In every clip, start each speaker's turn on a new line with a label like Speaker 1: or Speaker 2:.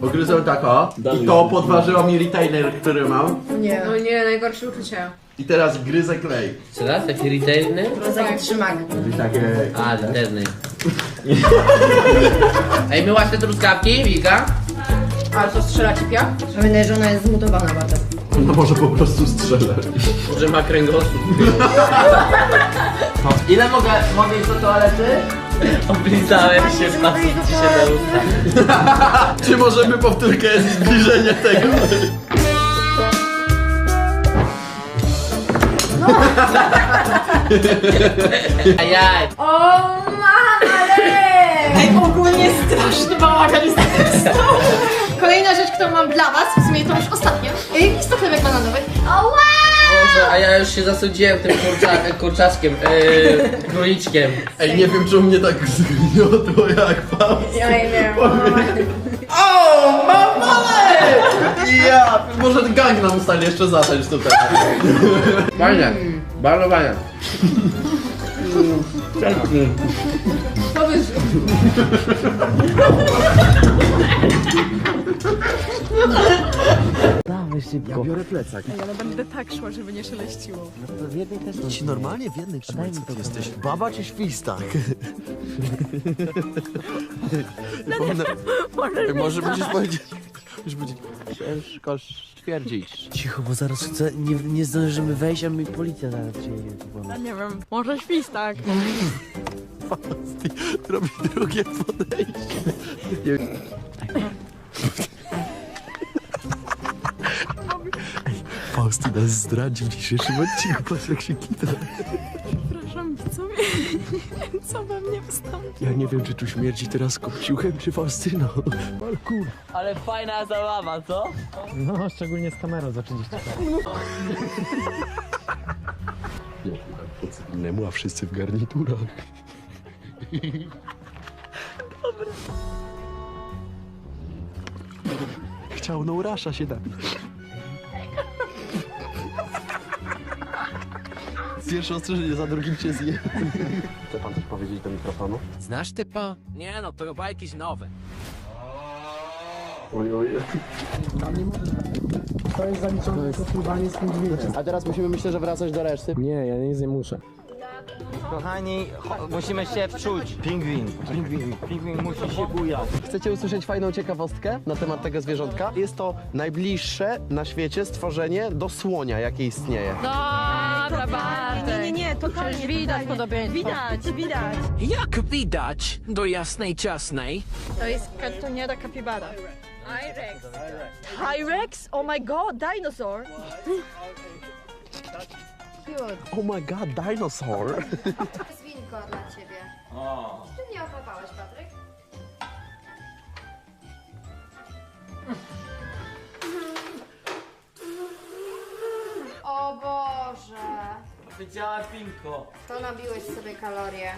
Speaker 1: Ugryzłem tak o i to podważyło mi retainer, który mam.
Speaker 2: Nie.
Speaker 3: No nie, najgorsze uczucie.
Speaker 1: I teraz gryzę klej.
Speaker 4: Co raz? Taki retailny?
Speaker 2: Rozak trzymak.
Speaker 1: I takie...
Speaker 4: A, retailny. Ej, myłaś te truskawki, Wika?
Speaker 3: Ale to strzela ci piach?
Speaker 2: Pamiętaj, że ona jest zmutowana bardzo.
Speaker 1: No może po prostu strzelę.
Speaker 4: Może ma kręgosłup. Ile mogę iść do toalety? Oblizałem się, patrzcie się na usta.
Speaker 1: Czy możemy powtórkę zbliżenia tego?
Speaker 4: Ajaj.
Speaker 3: O mama,
Speaker 2: Ej, ogólnie straszny bałagan jest Kolejna rzecz, którą mam dla was, w sumie to już ostatnia. Jest to chlebek bananowy.
Speaker 4: Boże, a ja już się zasądziłem tym kurczaczkiem, króliczkiem.
Speaker 1: Ej, nie wiem, czy u mnie tak zgniotło jak Faust.
Speaker 3: ja nie wiem.
Speaker 1: O, mamale! Ja, może gang nam stanie jeszcze zacząć tutaj.
Speaker 4: Fajne, bardzo fajne.
Speaker 3: Powiedz,
Speaker 4: Dawaj szybko.
Speaker 1: Biorę plecak.
Speaker 5: Ale będę tak szła, żeby nie szeleściło.
Speaker 4: W jednej też mam.
Speaker 6: Ci normalnie w jednej trzymaj, co ty jesteś? Baba czy świstak? Może będziesz powiedzieć... Już będzie... Ciężko stwierdzić.
Speaker 7: Cicho, bo zaraz chcę, nie zdążymy wejść, a mi policja zaraz przyjedzie.
Speaker 5: Ja nie wiem, może świstak.
Speaker 6: Robi drugie podejście. Fausty nas zdradził w dzisiejszym odcinku. Patrz jak się kita.
Speaker 5: Przepraszam, co we mnie wystąpi?
Speaker 6: Ja nie wiem, czy tu śmierdzi teraz kopciuchem, czy Faustyną. Parkour.
Speaker 4: Ale fajna zabawa, co?
Speaker 7: No, szczególnie z kamerą za 30 lat.
Speaker 6: Nie, tak po cywilnemu, a wszyscy w garniturach. Chciał no rasza się napić. Pierwsze ostrzeżenie, za drugim cię zje. Chce pan coś powiedzieć do mikrofonu?
Speaker 7: Znasz typa?
Speaker 8: Nie no, to chyba jakieś nowe.
Speaker 6: Oj.
Speaker 7: To jest zaliczone jako pływanie z pingwinem.
Speaker 6: A teraz musimy, myślę, że wracać do reszty.
Speaker 7: Nie, ja nic nie muszę.
Speaker 8: Kochani, musimy się wczuć. Pingwin musi się bujać.
Speaker 6: Chcecie usłyszeć fajną ciekawostkę na temat tego zwierzątka? Jest to najbliższe na świecie stworzenie do słonia, jakie istnieje.
Speaker 5: Dobra, Bartek. Nie, totalnie. Widać podobieństwo. Widać.
Speaker 8: Jak widać do jasnej ciasnej?
Speaker 5: To jest kartoniera kapibara. T-Rex. T-Rex? Oh my god, dinosaur.
Speaker 6: Oh my god, dinosaur!
Speaker 2: Zwinko dla ciebie. Ty mnie ochlapałeś, Patryk? O Boże.
Speaker 4: Powiedziała Pinko.
Speaker 2: To nabiłeś sobie kalorie.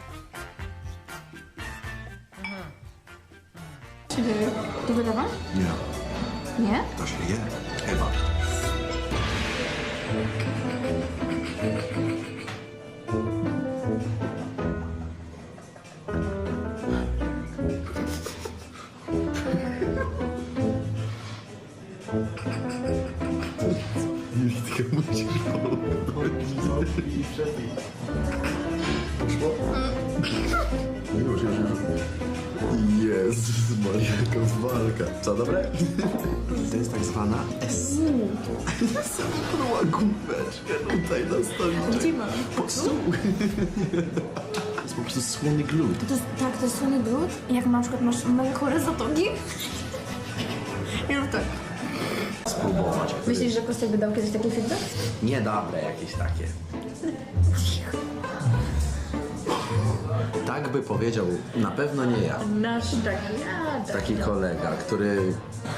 Speaker 3: to wydawasz? Nie. Nie?
Speaker 6: To się je, chyba. Julitka, musisz pomóc. Poszło? Już. Jezus Maria, jaka walka. Co, dobre? To jest tak zwana S. Spadła główeczkę tutaj na stoliczek. Gdzie mam? Pod stół. To jest po prostu słony glut.
Speaker 3: To jest słony brud. Jak na przykład masz mega chore zatoki. I rób tak.
Speaker 6: Spróbować.
Speaker 3: Myślisz, że Kostek by dał kiedyś takie feedback?
Speaker 6: Niedobre jakieś takie. Tak by powiedział, na pewno nie ja.
Speaker 3: Nasz
Speaker 6: Taki kolega, który...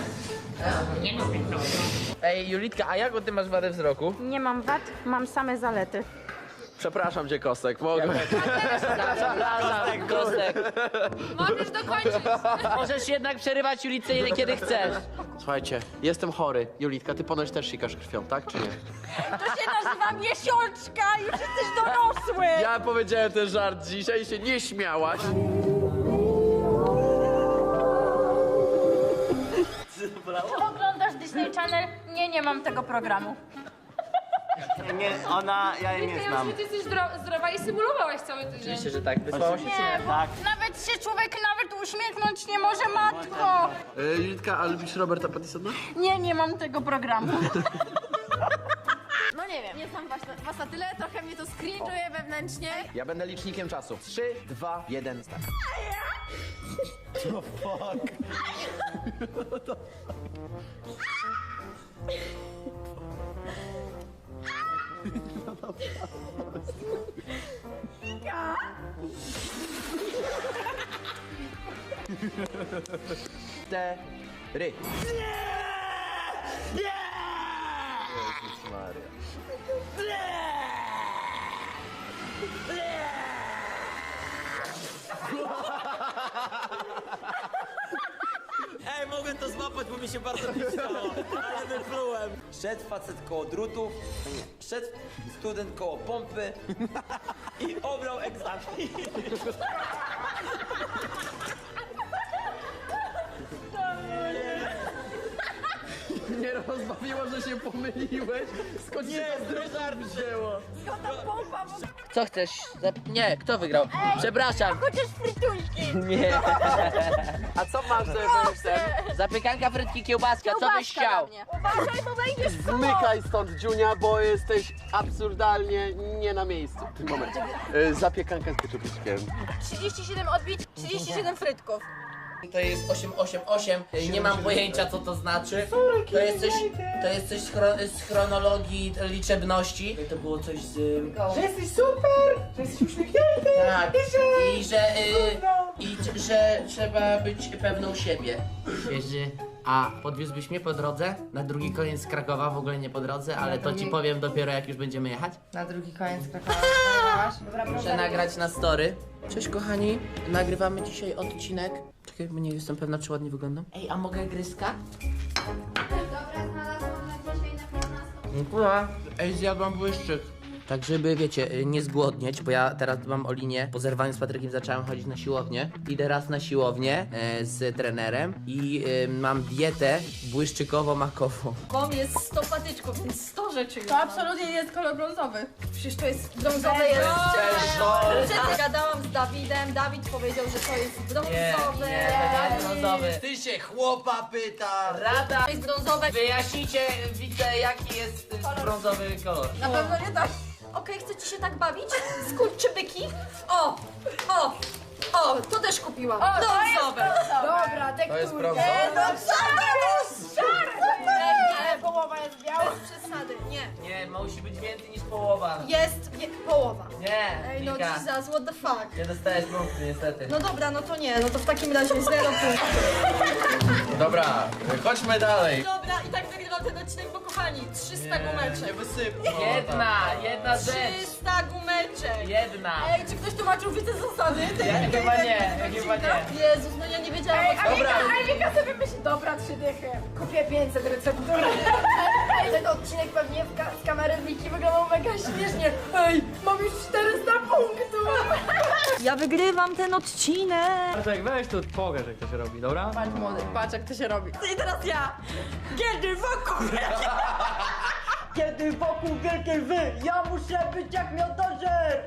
Speaker 4: Ej, Julitka, a jaką ty masz wadę wzroku?
Speaker 5: Nie mam wad, mam same zalety.
Speaker 6: Przepraszam cię, Kostek, mogę...
Speaker 4: Kostek, Kostek.
Speaker 3: Możesz dokończyć.
Speaker 4: Możesz jednak przerywać Julitce kiedy chcesz.
Speaker 6: Słuchajcie, jestem chory. Julitka, ty ponoć też sikasz krwią, tak czy nie?
Speaker 5: To się nazywa miesiączka, już jesteś dorosły.
Speaker 6: Ja powiedziałem ten żart dzisiaj i się nie śmiałaś.
Speaker 4: bolało?
Speaker 3: Oglądasz Disney Channel? Nie, nie mam tego programu.
Speaker 4: Nie, ja jej nie znam.
Speaker 9: Ty jesteś zdrowa i symulowałaś cały tydzień.
Speaker 4: Oczywiście, że tak. Wysłało się czy nie? Tak.
Speaker 3: Nawet się człowiek nawet uśmiechnąć nie może, matko!
Speaker 1: Julitka, a lubisz Roberta Pattisona?
Speaker 3: Nie, nie mam tego programu. No nie wiem, nie znam was na tyle, trochę mnie to cringe'uje wewnętrznie.
Speaker 8: Ja będę licznikiem czasu. 3, 2, 1, start. Cztery.
Speaker 6: Jezus Maria.
Speaker 8: Ej, mogłem to złapać, bo mi się bardzo chciało, ale wyplułem. Szedł facet koło drutów, szedł student koło pompy i obrał egzamin.
Speaker 1: Nie rozbawiło, że się pomyliłeś. Skąd się to żart wzięło?
Speaker 4: Co chcesz? Nie, kto wygrał? Przepraszam.
Speaker 3: Chociaż frytuśki.
Speaker 4: Nie.
Speaker 1: A co masz za
Speaker 4: Zapiekanka, frytki, kiełbaska, co byś chciał?
Speaker 3: Uważaj, bo wejdziesz w koło.
Speaker 1: Zmykaj stąd, Dziunia, bo jesteś absurdalnie nie na miejscu w tym momencie. Zapiekanka z keczupkiem.
Speaker 2: 37 odbić, 37 frytków.
Speaker 4: To jest 888, nie mam pojęcia co to znaczy. To jest coś z chronologii liczebności. To było coś z...
Speaker 1: Że jesteś super! Że jesteś uśmiechnięty!
Speaker 4: Tak, że trzeba być pewną siebie. Wiesz, a podwiózłbyś mnie po drodze? Na drugi koniec Krakowa, w ogóle nie po drodze, ale to ci powiem dopiero jak już będziemy jechać.
Speaker 2: Na drugi koniec Krakowa. Dobra,
Speaker 4: Muszę nagrać na story. Cześć kochani, nagrywamy dzisiaj odcinek. Czekaj, bo nie jestem pewna, czy ładnie wyglądam. Ej, a mogę gryzka?
Speaker 3: Dobra, znalazłam na dzisiaj na 15.
Speaker 4: Dziękuję. Ej, zjadłam błyszczyk. Tak, żeby, wiecie, nie zgłodnieć, bo ja teraz mam o linię. Po zerwaniu z Patrykiem zacząłem chodzić na siłownię. Idę raz na siłownię z trenerem i mam dietę błyszczykowo-makową.
Speaker 2: Kom jest 100 patyczków, więc 100 rzeczy. To absolutnie nie jest kolor brązowy. Przecież to jest brązowe. Przecież gadałam z Dawidem, Dawid powiedział, że to jest brązowe.
Speaker 4: brązowy.
Speaker 8: Ty się chłopa pyta.
Speaker 4: Rada,
Speaker 2: To jest brązowe.
Speaker 4: wyjaśnijcie, widzę, jaki jest brązowy kolor.
Speaker 2: Na pewno nie tak. Okej, chcecie się tak bawić? Skurczybyki? O, to też kupiłam. Brązowe. Dobra, tekturkę.
Speaker 8: To jest brązowe?
Speaker 2: Nie, połowa jest biała. Bez przesady, nie.
Speaker 4: Nie, musi być więcej niż połowa.
Speaker 2: Jest połowa.
Speaker 4: Nie,
Speaker 2: Ej, no
Speaker 4: Wika,
Speaker 2: Jesus, what the fuck.
Speaker 4: nie dostajesz punktu niestety.
Speaker 2: No dobra, no to nie, no to w takim razie 0 punktów.
Speaker 1: Dobra, chodźmy dalej.
Speaker 2: Dobra, i tak wygrał ten odcinek, bo kochani, 300 gumeczek.
Speaker 1: Wysypnij.
Speaker 4: Jedna rzecz.
Speaker 2: 300 gumeczek.
Speaker 4: Jedna.
Speaker 2: Ej, czy ktoś tłumaczył widzę zasady?
Speaker 4: Ja chyba nie, chyba nie.
Speaker 2: Jezus, no ja nie wiedziałam.
Speaker 4: Dobra.
Speaker 2: Alika sobie myśli, dobra, 3 dychy. Kupię 500 receptur. Ej, ten odcinek pewnie z kamery Wiki wyglądał mega śmiesznie. Ej, mam już 400 punktów. Ja wygrywam ten odcinek.
Speaker 10: Bartek, weź tu pokaż jak to się robi, dobra?
Speaker 2: Patrz młody, patrz jak to się robi. I teraz ja. Kiedy wokół wielkie... Kiedy wokół wielkiej wy, ja muszę być jak miodożer.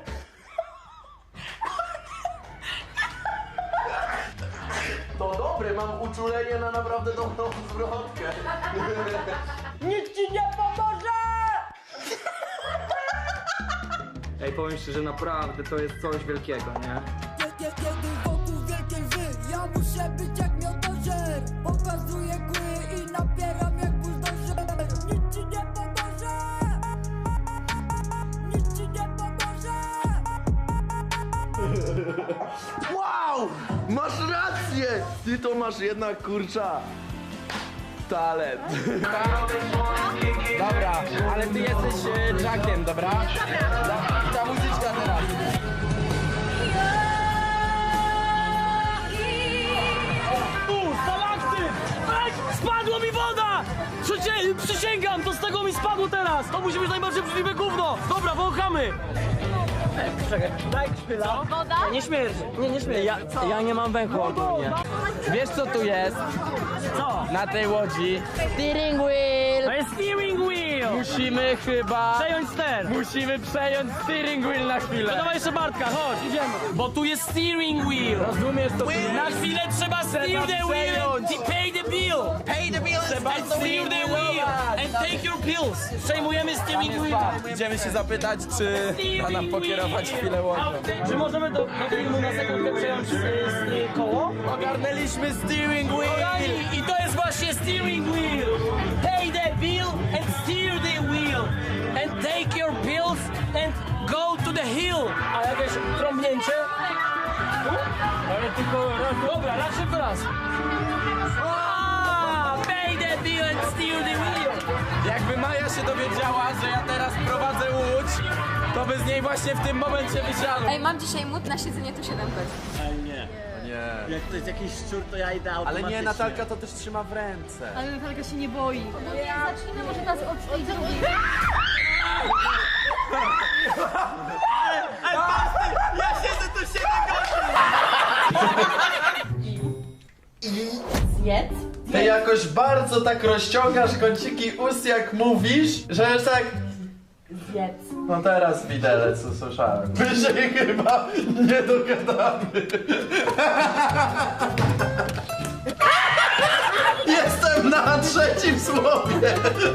Speaker 1: To dobre, mam uczulenie na naprawdę dobrą zwrotkę.
Speaker 2: Nic ci nie pomoże!
Speaker 10: Ej, powiem szczerze, naprawdę to jest coś wielkiego, nie?
Speaker 11: Kiedy wokół wielkiej wy, ja muszę być jak miodożer. Pokazuję kły i napieram jak buldożer. Nic ci nie pomoże. Nic ci nie pomoże.
Speaker 6: Wow! Masz rację! Ty to masz jednak, kurcza, talent.
Speaker 8: Dobra, ale ty jesteś Jackiem, dobra? Ta muzyczka teraz.
Speaker 10: Stalaktyt! Ej, spadła mi woda! Przysięgam, to z tego mi spadło teraz! To musi być najbardziej obrzydliwe gówno! Dobra, wąchamy! Czekaj, daj chwila.
Speaker 3: Woda?
Speaker 10: Nie śmierdź, nie śmierdź. Ja nie mam węchu ogólnie.
Speaker 8: Wiesz co tu jest?
Speaker 10: Co?
Speaker 12: Na tej łodzi
Speaker 5: Steering wheel!
Speaker 10: To jest steering wheel!
Speaker 12: musimy chyba...
Speaker 10: Przejąć ster!
Speaker 12: Musimy przejąć steering wheel na
Speaker 10: To
Speaker 12: chwilę.
Speaker 10: dawaj jeszcze Bartka, chodź, idziemy! Bo tu jest steering wheel!
Speaker 12: Rozumiesz to?
Speaker 10: Na chwilę trzeba steer the wheel and pay the bill!
Speaker 8: Pay the bills
Speaker 10: Trzeba steer the wheel and take your pills! Przejmujemy steering wheel!
Speaker 12: Idziemy się zapytać, czy da nam pokierować chwilę łodzią.
Speaker 10: Czy możemy do filmu na sekundkę przejąć koło?
Speaker 12: Ogarnęliśmy steering wheel!
Speaker 10: Kochani, i to jest właśnie steering wheel! Pay the bill and steer the wheel! And take your pills and go to the hill! A jakieś trąbnięcie? Ale tylko raz, dobra, raz tylko raz. Pay the bill and steer the wheel!
Speaker 12: Jakby Maja się dowiedziała, że ja teraz prowadzę łódź, to by z niej właśnie w tym momencie wysiadł.
Speaker 3: Ej, mam dzisiaj mód na siedzenie tu 7 godzin.
Speaker 12: Nie.
Speaker 1: Jak to jest jakiś szczur, to ja idę
Speaker 12: Ale
Speaker 1: automatycznie.
Speaker 12: nie, Natalka to też trzyma w ręce.
Speaker 5: Ale Natalka się nie boi.
Speaker 3: Zacznijmy może nas od tej drugiej.
Speaker 1: Ja siedzę tu 7
Speaker 5: Zjedz.
Speaker 1: Ty jakoś bardzo tak rozciągasz kąciki ust, jak mówisz, że już tak...
Speaker 5: Zjedz.
Speaker 1: No teraz widelec usłyszałem. My się chyba nie dogadamy. Jestem na trzecim słowie.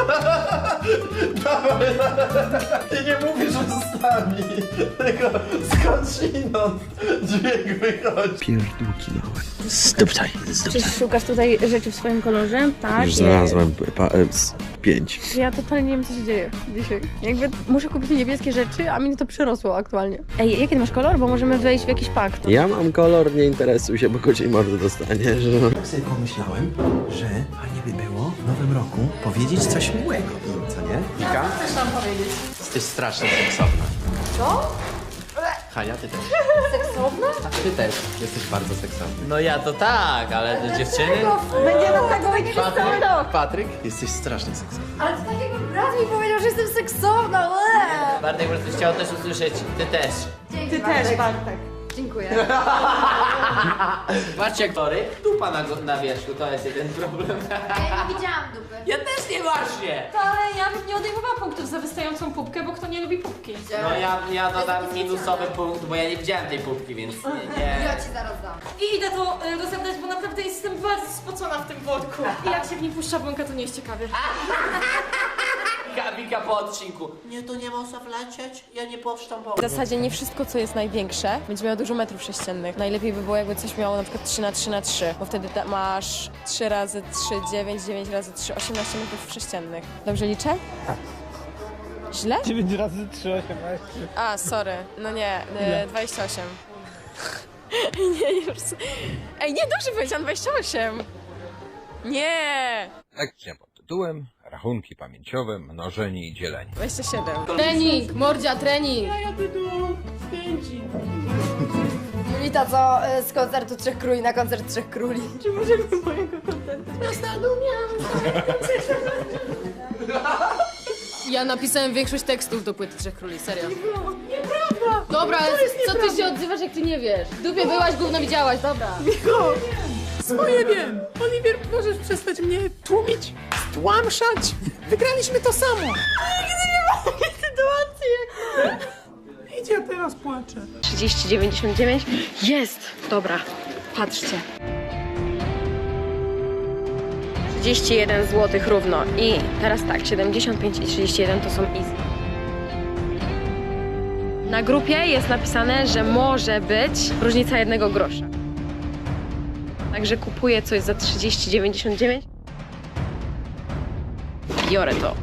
Speaker 1: Dawaj, i nie mówisz ustami, tylko skądinąd dźwięk wychodzi.
Speaker 6: Pierdółki małe.
Speaker 7: Zdupcaj.
Speaker 5: Czy szukasz tutaj rzeczy w swoim kolorze? Tak.
Speaker 6: Już znalazłem 5.
Speaker 5: Ja totalnie nie wiem, co się dzieje dzisiaj. Jakby muszę kupić niebieskie rzeczy, a mnie to przerosło aktualnie. Ej, jaki ty masz kolor? Bo możemy wejść w jakiś pakt.
Speaker 6: Ja mam kolor, nie interesuj się, bo kociej mordy dostaniesz. Tak sobie pomyślałem, że fajnie by było w nowym roku powiedzieć coś miłego, co nie?
Speaker 1: Wika?
Speaker 2: Chcesz nam powiedzieć?
Speaker 1: Jesteś strasznie seksowna.
Speaker 2: Co?
Speaker 1: Hania, ty też.
Speaker 2: Seksowna?
Speaker 4: Ty też.
Speaker 1: Jesteś bardzo seksowny.
Speaker 4: No ja to tak, ale te dziewczyny...
Speaker 2: Będzie nam tego powiedzieć cały rok.
Speaker 1: Patryk? Jesteś strasznie seksowny.
Speaker 2: Ale to tak jakby brat mi powiedział, że jestem seksowna. Łe.
Speaker 4: Bartek po prostu chciał też usłyszeć, ty też.
Speaker 2: Dzięki, Bartek. Dziękuję.
Speaker 4: Patrzcie, aktory, dupa na wierzchu, to jest jeden problem.
Speaker 2: Ja nie widziałam dupy.
Speaker 4: Ja też nie właśnie!
Speaker 9: Ale ja bym nie odejmowała punktów za wystającą pupkę, bo kto nie lubi pupki?
Speaker 4: No ja dodam minusowy punkt, bo ja nie widziałem tej pupki, więc nie.
Speaker 2: Ja ci zaraz dam.
Speaker 9: I idę to rozebrać, bo naprawdę jestem bardzo spocona w tym worku. I jak się w nim puszcza błąka, to nie jest ciekawie.
Speaker 4: Wika po odcinku. Nie, to nie można wlecieć, ja nie puszczam
Speaker 5: W zasadzie nie wszystko, co jest największe, będzie miało dużo metrów sześciennych. Najlepiej by było, jakby coś miało na przykład 3×3×3, bo wtedy masz 3 razy 3, 9, 9 razy 3, 18 metrów sześciennych. Dobrze liczę? Źle?
Speaker 10: 9 razy 3, 18.
Speaker 5: A, sorry. No nie, 28. Nie, już. Ej, nie, dobrze powiedziałam, 28. Nie!
Speaker 13: Lekcja pod tytułem Rachunki pamięciowe, mnożenie i dzielenie.
Speaker 5: 27.
Speaker 2: Trening, mordzia, trening. Julita, co z koncertu Trzech Króli na koncert Trzech Króli?
Speaker 5: Czy możemy mojego kontentu?
Speaker 2: Ja napisałem większość tekstów do płyty Trzech Króli, serio. Nieprawda! Dobra, co ty się odzywasz, jak ty nie wiesz? W dupie byłaś, gówno widziałaś, dobra.
Speaker 10: Swoje wiem! Oliwier, możesz przestać mnie tłumić, stłamszać? Wygraliśmy to samo! Nigdy nie ma takiej sytuacji jak... Idź, ja teraz płaczę.
Speaker 5: 30,99. Jest! Dobra, patrzcie. 31 zł równo. I teraz tak, 75 i 31 to są easy. Na grupie jest napisane, że może być różnica 1 grosza. Także kupuję coś za 30,99. Biorę to.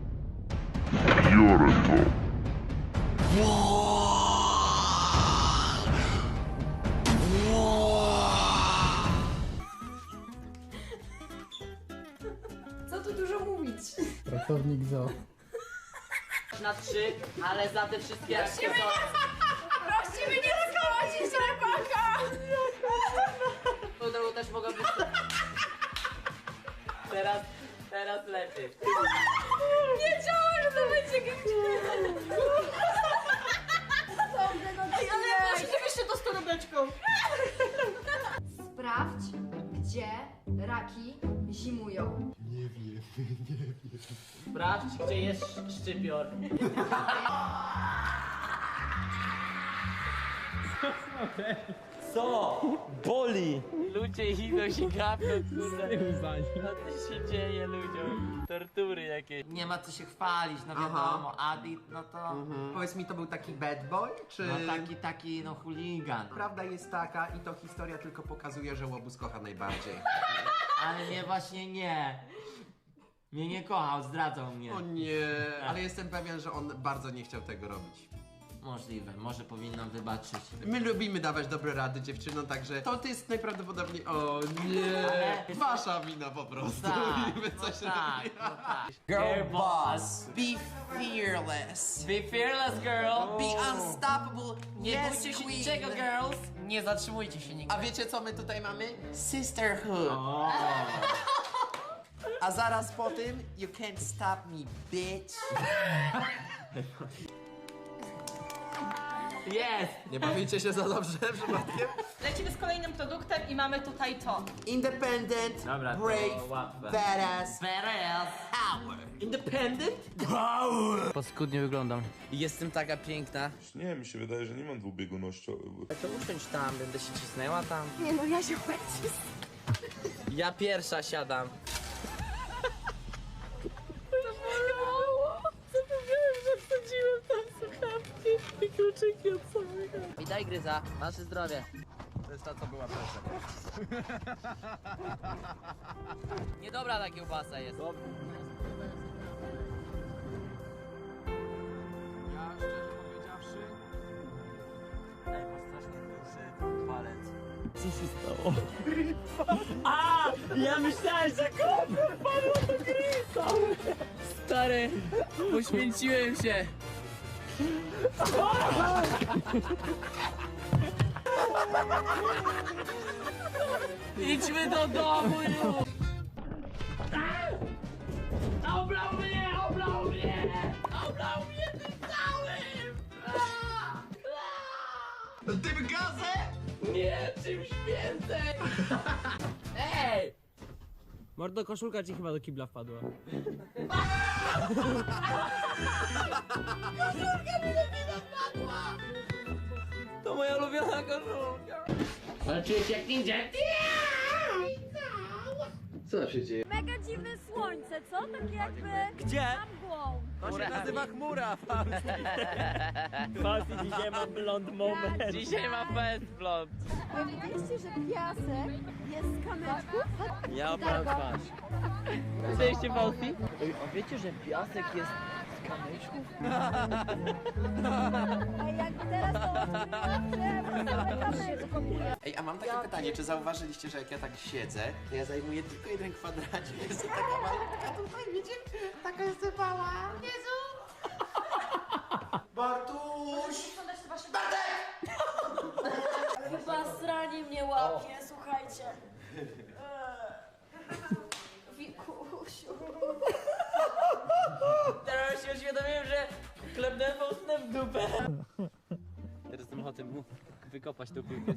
Speaker 2: Co tu dużo mówić?
Speaker 10: Pracownik zoo.
Speaker 4: Na 3, ale za te wszystkie akcje
Speaker 2: Prosimy nie rozkoładzić rybaka!
Speaker 4: to też mogą być... Teraz lepiej.
Speaker 2: Wiedziałam, że to będzie gęściej.
Speaker 9: Ale proszę, żebyście to z torebeczką.
Speaker 2: Sprawdź, Gdzie raki zimują?
Speaker 6: Nie wiem.
Speaker 10: Sprawdź, gdzie jest szczypior.
Speaker 8: Co? Boli!
Speaker 10: Ludzie idą się gapią, kurde. Co tu się dzieje ludziom? Tortury jakieś.
Speaker 4: Nie ma co się chwalić, no wiadomo, Adi, no to...
Speaker 14: Powiedz mi, to był taki bad boy, czy...
Speaker 4: No taki, no chuligan.
Speaker 14: Prawda jest taka i to historia tylko pokazuje, że Łobuz kocha najbardziej.
Speaker 4: Ale nie, właśnie nie. Mnie nie kochał, zdradzał mnie.
Speaker 14: O nie, ale jestem pewien, że on bardzo nie chciał tego robić.
Speaker 4: Możliwe, może powinnam wybaczyć.
Speaker 14: My lubimy dawać dobre rady dziewczynom, także to jest najprawdopodobniej... O nie,
Speaker 4: Ale-
Speaker 14: wasza wina po prostu.
Speaker 4: Tak,
Speaker 14: I my
Speaker 4: no
Speaker 14: coś
Speaker 4: tak,
Speaker 14: robimy.
Speaker 4: no tak.
Speaker 14: Girl
Speaker 4: boss.
Speaker 14: Be fearless.
Speaker 10: Be fearless, girl!
Speaker 14: Be unstoppable.
Speaker 10: Nie
Speaker 14: Yes,
Speaker 10: bójcie się
Speaker 14: queen.
Speaker 10: niczego, girls! Nie zatrzymujcie się nigdy.
Speaker 14: A wiecie co my tutaj mamy? Sisterhood. A zaraz po tym, you can't stop me, bitch.
Speaker 10: Jest!
Speaker 14: Nie bawicie się za dobrze przypadkiem?
Speaker 9: Lecimy z kolejnym produktem i mamy tutaj to.
Speaker 14: Independent,
Speaker 10: Dobra, to
Speaker 14: brave,
Speaker 10: łatwe.
Speaker 14: badass,
Speaker 4: Teraz.
Speaker 14: power.
Speaker 4: Independent?
Speaker 7: Paskudnie wyglądam.
Speaker 4: Jestem taka piękna.
Speaker 15: Nie, mi się wydaje, że nie mam dwubiegunościowy.
Speaker 4: To usiądź tam, będę się cisnęła tam.
Speaker 3: Nie no, ja się będzie.
Speaker 4: Ja pierwsza siadam.
Speaker 10: Zapomniałem, że wsadziłem tam słuchawki i kluczyki od samego.
Speaker 4: I daj gryza, nasze zdrowie.
Speaker 14: To jest ta, co była pierwsza.
Speaker 4: Niedobra ta kiełbasa jest.
Speaker 14: Ja szczerze powiedziawszy...
Speaker 8: Ej, ma strasznie duży palec.
Speaker 10: Co się stało? A! Ja myślałem, że kopę wpadło do grisa!
Speaker 7: Stary, poświęciłem się.
Speaker 10: Idźmy do domu już! Oblał mnie! Oblał mnie! Oblał mnie tym całym!
Speaker 14: Tym gazem?
Speaker 10: Nie, czymś więcej! Ej!
Speaker 7: Mordo, koszulka ci chyba do kibla wpadła.
Speaker 10: Koszulka mi do kibla wpadła! To moja ulubiona koszulka! Ale czuję się jak ninja!
Speaker 1: Co się dzieje?
Speaker 3: Mega dziwne słońce, co? Takie jakby...
Speaker 10: Gdzie?
Speaker 3: Za mgłą.
Speaker 14: To się nazywa chmura,
Speaker 10: Fausti dzisiaj ma blond moment. Dzisiaj ma fest blond.
Speaker 3: Wiedzieliście, że piasek jest z kamyczków?
Speaker 10: Ja mam twarz. Cześć, Fausti. A wiecie, że piasek jest z kamyczków?
Speaker 3: Ej, jak teraz to kamyczków.
Speaker 14: Ej, a mam takie pytanie, czy zauważyliście, że jak ja tak siedzę, to ja zajmuję tylko jeden kwadrat, jest taka malutka tutaj, wiecie? Taka jest mała. Jezu! Bartuś! Bartek!
Speaker 3: Chyba sranie mnie łapie, słuchajcie. Wikusiu.
Speaker 10: Teraz się uświadomiłem, że klepnąłem Faustę w dupę. Teraz mam ochotę mu wykopać tą piłkę.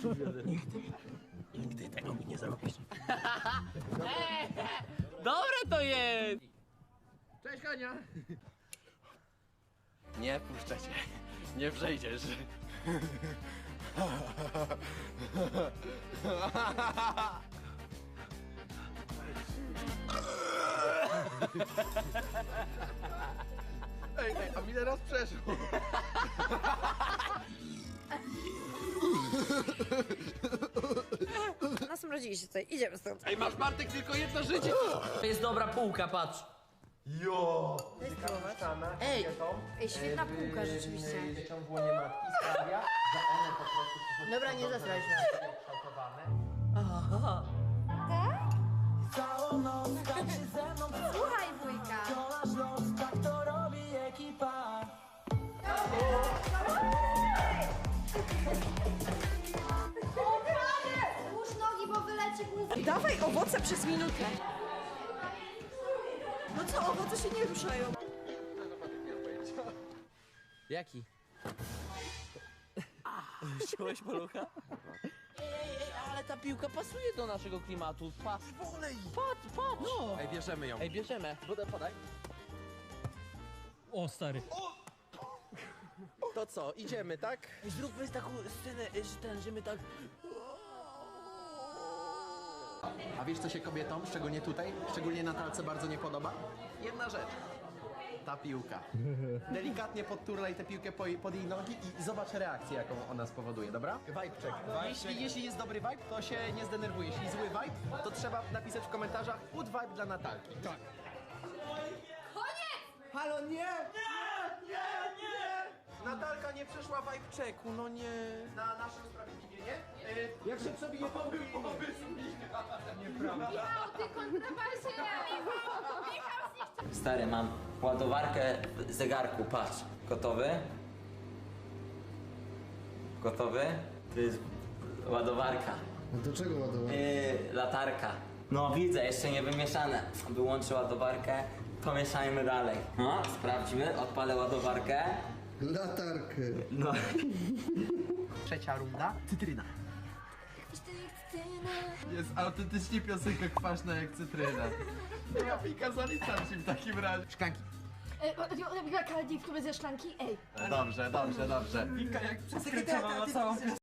Speaker 10: Nigdy tego mi nie zrobisz. Dobre to jest!
Speaker 1: Cześć Hania! Nie puszczę cię. Nie przejdziesz. Ej, a mi teraz przeszło.
Speaker 2: Nasmrodziliście tutaj, idziemy stąd.
Speaker 1: Ej, masz Bartek tylko jedno życie.
Speaker 10: To jest dobra półka, patrz.
Speaker 14: Jo!
Speaker 2: Ej, świetna półka rzeczywiście.
Speaker 14: Dzieciom w łonie matki sprawia, że one po prostu...
Speaker 2: Dobra, nie zasraj się. Słuchaj wujka. Łóż nogi, bo wyleci główka.
Speaker 9: Dawaj owoce przez minutę. No co, owoce się nie ruszają.
Speaker 7: Jaki?
Speaker 10: Wziąłeś malucha?
Speaker 4: Ale ale ta piłka pasuje do naszego klimatu. Patrz,
Speaker 14: Wolej!
Speaker 4: patrz! No.
Speaker 12: Ej, bierzemy ją.
Speaker 4: Ej, bierzemy. Podaj.
Speaker 10: O, stary.
Speaker 12: To co, idziemy, tak?
Speaker 4: Ej, zróbmy taką scenę, że my tak...
Speaker 14: A wiesz co się kobietom, szczególnie tutaj, szczególnie Natalce bardzo nie podoba? Jedna rzecz. Ta piłka. Delikatnie podturlaj tę piłkę pod jej nogi i zobacz reakcję, jaką ona spowoduje, dobra? Vibe check. Jeśli jest dobry vibe, to się nie zdenerwuje. Jeśli zły vibe, to trzeba napisać w komentarzach good vibe dla Natalki. Tak.
Speaker 1: Halo, nie!
Speaker 14: Natalka nie przeszła vibe checku, no nie. Na nasze usprawiedliwienie. Jak się przebije pomysł.
Speaker 2: Michał, ty kontrabasie! Michał, zniszczył!
Speaker 8: Stary, mam ładowarkę w zegarku, patrz. Gotowy? Gotowy? To jest ładowarka.
Speaker 6: Do czego ładować?
Speaker 8: Latarka. No widzę, jeszcze nie wymieszane. Wyłączę ładowarkę, pomieszajmy dalej. No, sprawdźmy, odpalę ładowarkę.
Speaker 6: Latarkę.
Speaker 8: No.
Speaker 14: Trzecia runda. Cytryna.
Speaker 1: Jest autentycznie piosenka kwaśna jak cytryna. Ja Pika zaliczam ci w takim razie.
Speaker 14: Szklanki.
Speaker 2: Kaldi w klubie ze szklanki? Ej.
Speaker 1: Dobrze. Pika jak przez